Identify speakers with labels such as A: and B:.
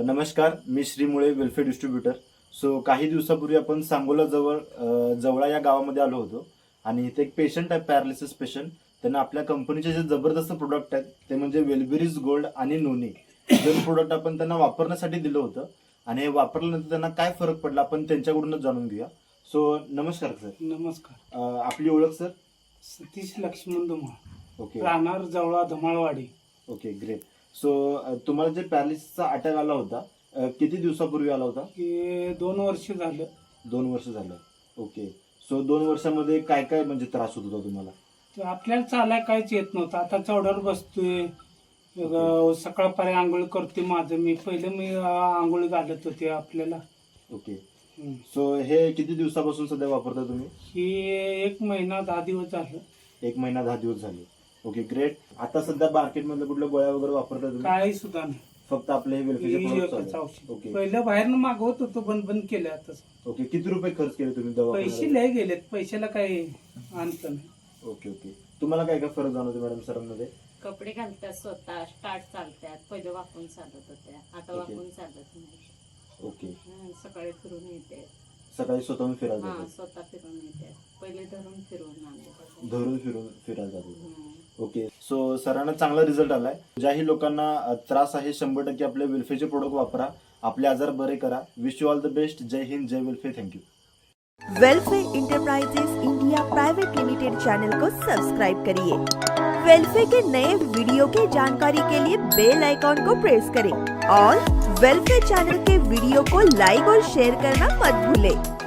A: नमस्कार, मी श्री मुळे welfare distributor. So काही दिवसापूर्वी आपण सांगोला जवळा या गावामध्ये आलो होतो आणि इथे एक पेशंट आहे, पॅरालिसिस पेशंट. त्यांना आपल्या कंपनीचे जे जबरदस्त प्रोडक्ट आहेत ते म्हणजे वेलबेरीज गोल्ड आणि नोनी, दोन प्रोडक्ट आपण त्यांना वापरण्यासाठी दिलं होतं आणि हे वापरल्यानंतर त्यांना काय फरक पडला आपण त्यांच्याकडूनच जाणून घेऊया. सो नमस्कार सर.
B: नमस्कार.
A: आपली ओळख सर?
B: सतीश लक्ष्मण धुमाळ,
A: ओके
B: राहणार Jawala Dhumalwadi.
A: Okay, great. So तुम्हाला जे पॅरालिसिसचा अटॅक आला होता किती दिवसापूर्वी आला होता?
B: हे 2 वर्ष झालं.
A: 2 वर्ष झालं. ओके. सो 2 वर्षामध्ये काय काय म्हणजे त्रास होत होता तुम्हाला?
B: तर आपल्याला चालाय काहीच येत नव्हतं. आता चौड्यावर बसतोय, सकाळपर्यंत आंघोळ करतोय. माझं मी आंघोळ घालत होते आपल्याला.
A: ओके. सो हे किती दिवसापासून सध्या वापरता तुम्ही?
B: ही 1 महिना 10 दिवस झालं.
A: 1 महिना 10 दिवस झाले. Okay, great. आता सध्या मार्केटमध्ये कुठल्या गोळ्या वगैरे वापरता तुम्ही?
B: काही सुद्धा नाही.
A: फक्त आपले हे वेलफेअरचे
B: ही
A: products
B: एकच
A: आहे.
B: औषध.
A: ओके
B: पहिलं बाहेरनं मागवत होतो, बंद केलं आता.
A: ओके. किती रुपये खर्च केले तुम्ही
B: पैसे
A: दवाखान्यात?
B: लय गेलेत, पैशाला काही अंत नाही.
A: Okay okay. तुम्हाला काय काय फरक जाणवतो मॅडम सरांमध्ये?
C: कपडे घालतात स्वतः, स्टार्ट चालतात. पहिले वापरून चालत होत्या, आता
A: ओके.
C: वापरून चालत नाही.
A: ओके.
C: सकाळी फिरून येते.
A: सकाळी स्वतःहून फिरायला
C: हा,
A: जातात.
C: स्वतः फिरून येते. पहिले धरून फिरून आणले.
A: धरून फिरून फिरायला जातात. ओके. सो सरांना चांगला रिझल्ट आलाय. ज्याही लोकांना त्रास आहे 100% आपले वेलफेअरचे प्रोडक्ट वापरा, आपले आजार बरे करा. Wish you all the best. जय हिंद, जय welfare. Thank you.
D: Welfare enterprises India private limited channel को सब्सक्राइब करिए। वेलफेयर के नए वीडियो की जानकारी के लिए बेल आइकॉन को प्रेस करें और वेलफेयर चैनल के वीडियो को लाइक और शेयर करना मत भूलें।